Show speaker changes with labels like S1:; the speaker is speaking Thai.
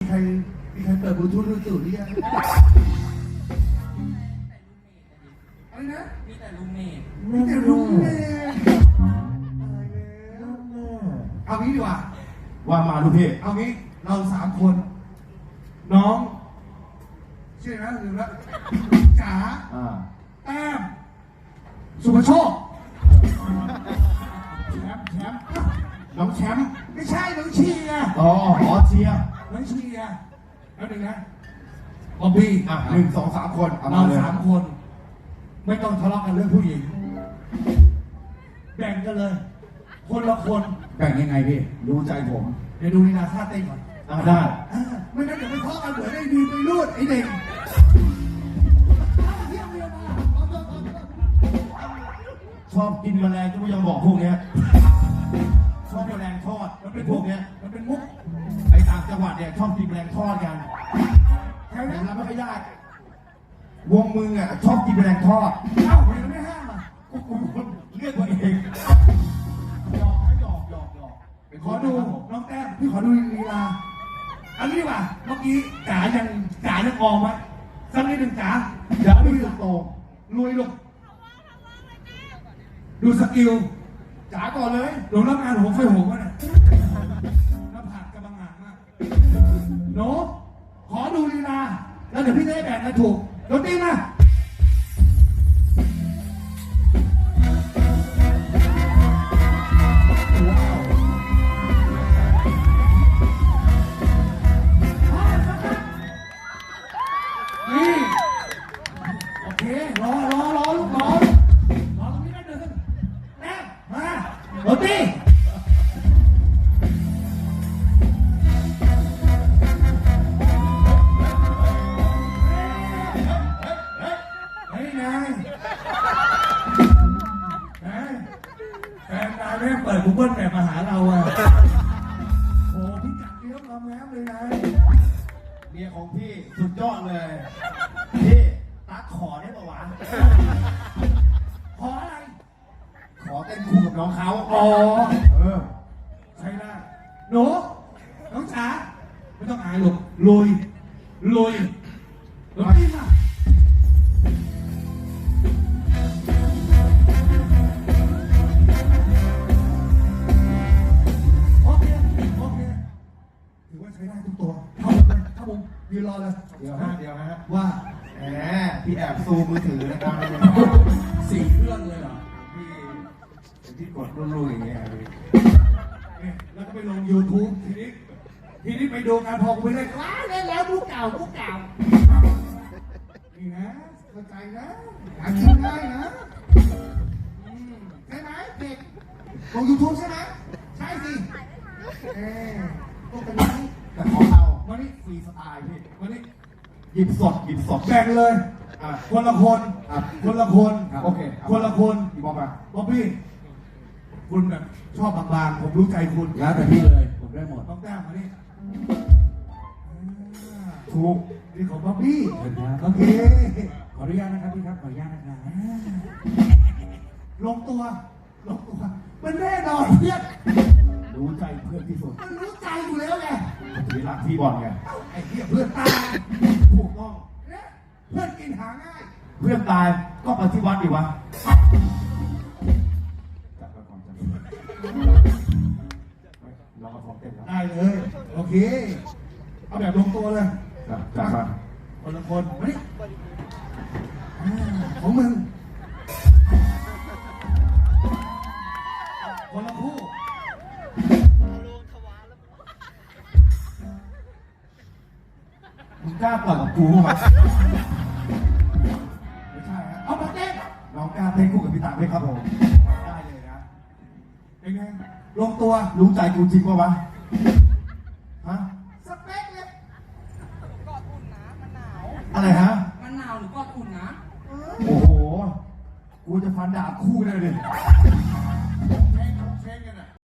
S1: ใครเปิดบลูทูธมือถือหรือยังอะไรนะ
S2: มีแต่ลูกเมด
S1: มีแต่ลูกเมดเอางี้ดีกว่า
S3: ว่ามาลูกพี่
S1: เอางี้เรา3 คนน้องชื่อนะลืมแล้วจ๋าแต้มสุภโชค
S3: แชมป์น้องแชมป์
S1: ไม่ใช่น้องเชียร์
S3: อ๋อเชียร์
S1: น้องเชียร์แล้วหนึ่งนะบอบบี้
S3: 1 2 3 คน
S1: เรา3 คนไม่ต้องทะเลาะกันเรื่องผู้หญิงแบ่งกันเลยคนละคน
S3: แบ่งยังไงพี่รู้ใจผม
S1: เดี๋ยวดูนีนาท่าเต้นก่อน
S3: ได้
S1: ไม่งั้นเดี๋ยวไปทะเลาะกันเหมือนไอ้ดีไปรูดไอ้เด็ก
S3: ชอบกินแมลงที่ไม่ยอมบอกพวกเนี้ยชอบแมลงทอด
S1: มันเป็น
S3: พวกเนี้ย
S1: มันเป็นมุก
S3: ไอ้ต่างจังหวัดเนี่ยชอบกินแมลงทอดกัน
S1: แถวนั้น
S3: เราไม่ค่อยได้วงมึงอ่ะชอบกินแมลงทอด
S1: เอ้าเห็นไม่ห้ามอ่ะ
S3: กูเลือกตัวเองหยอก
S1: ขอดูน้องแต้มพี่ขอดูลีลาอันนี้ว่ะเมื่อกี้จ๋ายังออมไหมสักนิดหนึ่งจ๋า
S3: เดี๋ยวดูโต
S1: ลุยลงดูสกิล
S3: จ๋าก่อนเลย
S1: ลงรับงานหัวไฟหัววะเนี่ยหน้าผากกำลังหนักมากโน้ขอดูลีลาแล้วเดี๋ยวพี่จะได้แบ่งกันถูกโดนตีมาเปิดกูเบิ้ลแบบมาหาเราอ่ะโอ้พี่จักเลี้ยงมาแล้วเลยนะ
S3: เมียของพี่สุดยอดเลยพี่ตั๊กขอได้ปะวะ
S1: ขออะไร
S3: ขอเต้นคู่กับน้องเขา
S1: อ๋อใช่ได้หนูน้องจ๋าไม่ต้องอายหรอกลุยพี่มาใช้ได้ทุกตัวเข้ามุมยืนรอเลย
S3: เดี๋ยวฮะ
S1: ว่า
S3: แหมพี่แอบซูมมือถือนะครับ
S1: 4 เครื่องเลยเหรอ
S3: พี่กดรุ่นๆอย่างเงี้ย
S1: แล้วก็ไปลง YouTube ทีนี้ไปดูงานพอกูไปเลยว้าเล่นแล้วมุกเก่านี่นะเข้าใจนะหากินได้นะใช่ไหมเด็กลง YouTube ใช่ไหมใช่สิต้องเป็นอย่างนี้
S3: แต่ของเรา
S1: วันนี้ฟรีสไตล์พี่วันนี้
S3: หยิบสด
S1: แบ่งเลยคนละคน
S3: โอเค
S1: คนละคน
S3: พี่บ๊
S1: อบบี้คุณแบบชอบบางๆผมรู้ใจคุณ
S3: แล้วแต่พี่เลยผมได้หมด
S1: ต้องแต้มมานี่
S3: ถูก
S1: นี่ของบ๊อบบี้โอเค
S3: ขออนุญาตนะครับพี่ครับขออนุญาตนะครับ
S1: ลงตัวมันแน่นอนเพื่อน
S3: รู้ใจเพื่อนที่สุด
S1: มันรู้ใจอยู่แล้วไง
S3: พี่รักพี่บอลไง
S1: ไอ้เหี้ยเพื่อนตายถูกต้องเพื่อนกินหาง่าย
S3: เพื่อนตายก็ไปที่วัดดีวะลองเอาของเต้น
S1: ได้เลยโอเคเอาแบบลงตัวเลย
S3: จัดมา
S1: คนละคนมาดิของมึงคนละคู่
S3: มึงกล้าต่อยกับกูมั้ย
S1: ไม่ใช่ฮะเอามาเต้น
S3: น้องกล้าเต้นคู่กับพี่ตั๊กไหมครับผมได้เลยนะ
S1: เป็นไงลงตัว
S3: รู้ใจกูจริงป่ะวะฮะ
S1: สเปคเลย
S2: กอดอุ่นนะมันหนาว
S3: อะไรฮะ
S2: มันหนาวหรือกอดอุ่นนะ
S3: โอ้โหกูจะฟันดาบคู่เลย